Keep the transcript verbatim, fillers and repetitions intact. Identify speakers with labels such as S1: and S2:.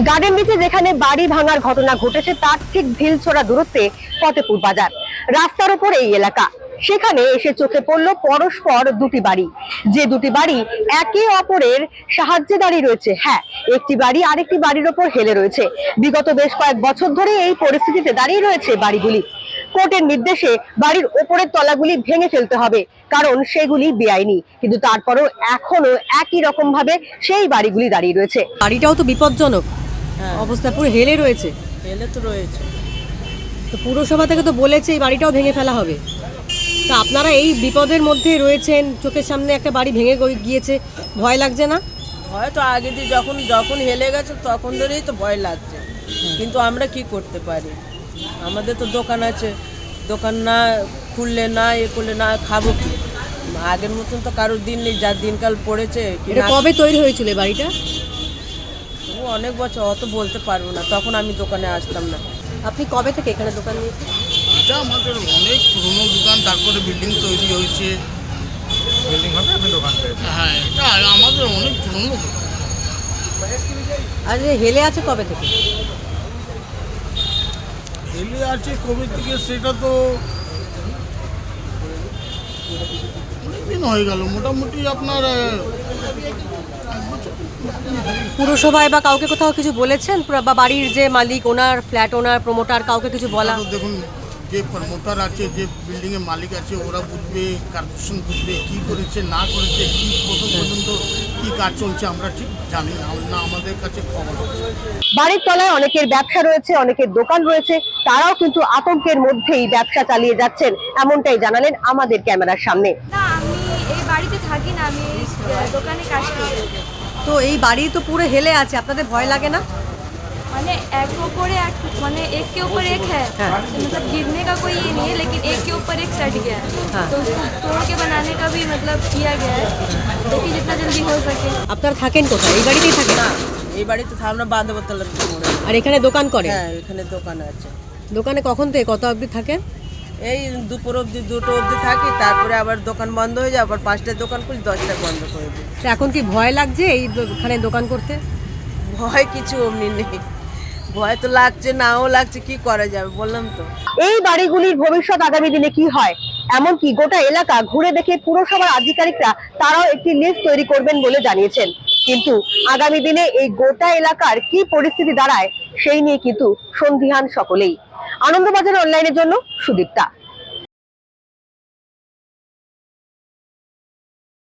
S1: Garden বিচে যেখানে বাড়ি ভাঙার ঘটনা ঘটেছে তার ঠিক ঢিলছোড়া দূরত্বে ফতেপুর বাজার, রাস্তার উপর এই এলাকা। সেখানে এসে চোখে পড়ল পরস্পর দুটি বাড়ি, যে দুটি বাড়ি একে অপরের সাহায্যে দাঁড়িয়ে রয়েছে। হ্যাঁ, একটি বাড়ি আরেকটি বাড়ির ওপর হেলে রয়েছে। বিগত বেশ কয়েক বছর ধরে এই পরিস্থিতিতে দাঁড়িয়ে রয়েছে বাড়িগুলি। কোর্টের নির্দেশে বাড়ির ওপরের তলাগুলি ভেঙে ফেলতে হবে, কারণ সেগুলি বেআইনি, কিন্তু তারপরেও এখনো একই রকম ভাবে সেই বাড়িগুলি দাঁড়িয়ে রয়েছে।
S2: বাড়িটাও তো বিপজ্জনক
S3: হ্যাঁ,
S2: অবস্থা, পুরো হেলে রয়েছে।
S3: হেলে তো রয়েছে।
S2: তো পুরসভা থেকে তো বলেছে এই বাড়িটাও ভেঙে ফেলা হবে। তা আপনারা এই বিপদের মধ্যে রয়েছেন, চোখের সামনে একটা বাড়ি ভেঙে গিয়েছে, ভয় লাগছে না?
S3: হয়তো আগে দিয়ে যখন যখন হেলে গেছে তখন ধরেই তো ভয় লাগছে, কিন্তু আমরা কি করতে পারি? আমাদের তো দোকান আছে, দোকান না খুললে না এ করলে না খাবো কি? আগের মতন তো কারোর দিন নেই, যার দিনকাল পড়েছে।
S2: এটা কবে তৈরি হয়েছিল এই বাড়িটা?
S3: তবু অনেক বছর, অত বলতে পারবো না, তখন আমি দোকানে আসতাম না।
S2: আপনি কবে থেকে এখানে দোকান নিয়েছেন?
S4: এটা আমাদের অনেক পুরনো দোকান, তারপরে বিল্ডিং তৈরি হয়েছে।
S5: বিল্ডিং হবে আপনি দোকান পেয়েছেন?
S4: হ্যাঁ, এটা আমাদের অনেক পুরনো দোকান।
S2: আর যে হেলে আছে কবে থেকে?
S4: হেলে আছে কবে থেকে সেটা তো অনেকদিন হয়ে গেল, মোটামুটি আপনার এক বছর।
S2: পুরসভায় বা কাউকে কোথাও কিছু বলেছেন? বা বাড়ির যে মালিক, ওনার ফ্ল্যাট ওনার, প্রমোটার, কাউকে কিছু বলা?
S4: তো দেখুন, যে প্রমোটার আছে, যে বিল্ডিংয়ের মালিক আছে, ওরা বুঝবে, কর্পোরেশন বুঝবে কী করেছে না করেছে, কী প্রথম পর্যন্ত কী কাজ চলছে আমরা ঠিক জানি না, না আমাদের কাছে খবর আছে।
S1: বাড়ির তলায় অনেকের ব্যবসা রয়েছে, অনেকের দোকান রয়েছে, তারাও কিন্তু আতঙ্কের মধ্যেই ব্যবসা চালিয়ে যাচ্ছেন, এমনটাই জানালেন আমাদের ক্যামেরার সামনে।
S6: না, আমি এই বাড়িতে থাকি না, আমি দোকানে কাজ করি।
S2: তো এই বাড়ি তো পুরো হেলে আছে, আপনাদের ভয় লাগে না?
S6: মানে एक ऊपर एक माने एक के ऊपर एक है, तो मतलब गिरने का कोई ये नहीं है, लेकिन एक के ऊपर एक सट गया है, तो उसको तोड़ के बनाने का भी मतलब किया गया है, देखिए जितना जल्दी हो सके।
S2: আপনারা থাকেন কোথায়? এই বাড়িতেই থাকেন?
S3: না, এই বাড়িতে আমরা বাঁধবতলার মোড়ে।
S2: আর এখানে দোকান করে?
S3: হ্যাঁ, এখানে দোকান আছে।
S2: দোকানে কখন থেকে কত অবধি থাকেন?
S3: এই দুপুর অবধি, দুটো অবধি থাকি, তারপরে আবার দোকান বন্ধ হয়ে যায়, আবার পাঁচটায় দোকান খুলি, দশটায় বন্ধ করে দিই।
S2: তো এখন কি ভয় লাগছে এই এখানে দোকান করতে?
S3: ভয় কিছু অমনি নেই, ভয় তো লাগছে, নাও লাগছে, কি করা যাবে বললাম তো।
S1: এই বাড়িগুলির ভবিষ্যৎ আগামী দিনে কি হয়, এমনকি গোটা এলাকা ঘুরে দেখে পুরসভার আধিকারিকরা তারাও একটি লিস্ট তৈরি করবেন বলে জানিয়েছেন। কিন্তু আগামী দিনে এই গোটা এলাকার কি পরিস্থিতি দাঁড়ায় সেই নিয়ে কিন্তু সন্দিহান সকলেই। আনন্দবাজার অনলাইনের জন্য সুদীপ্তা।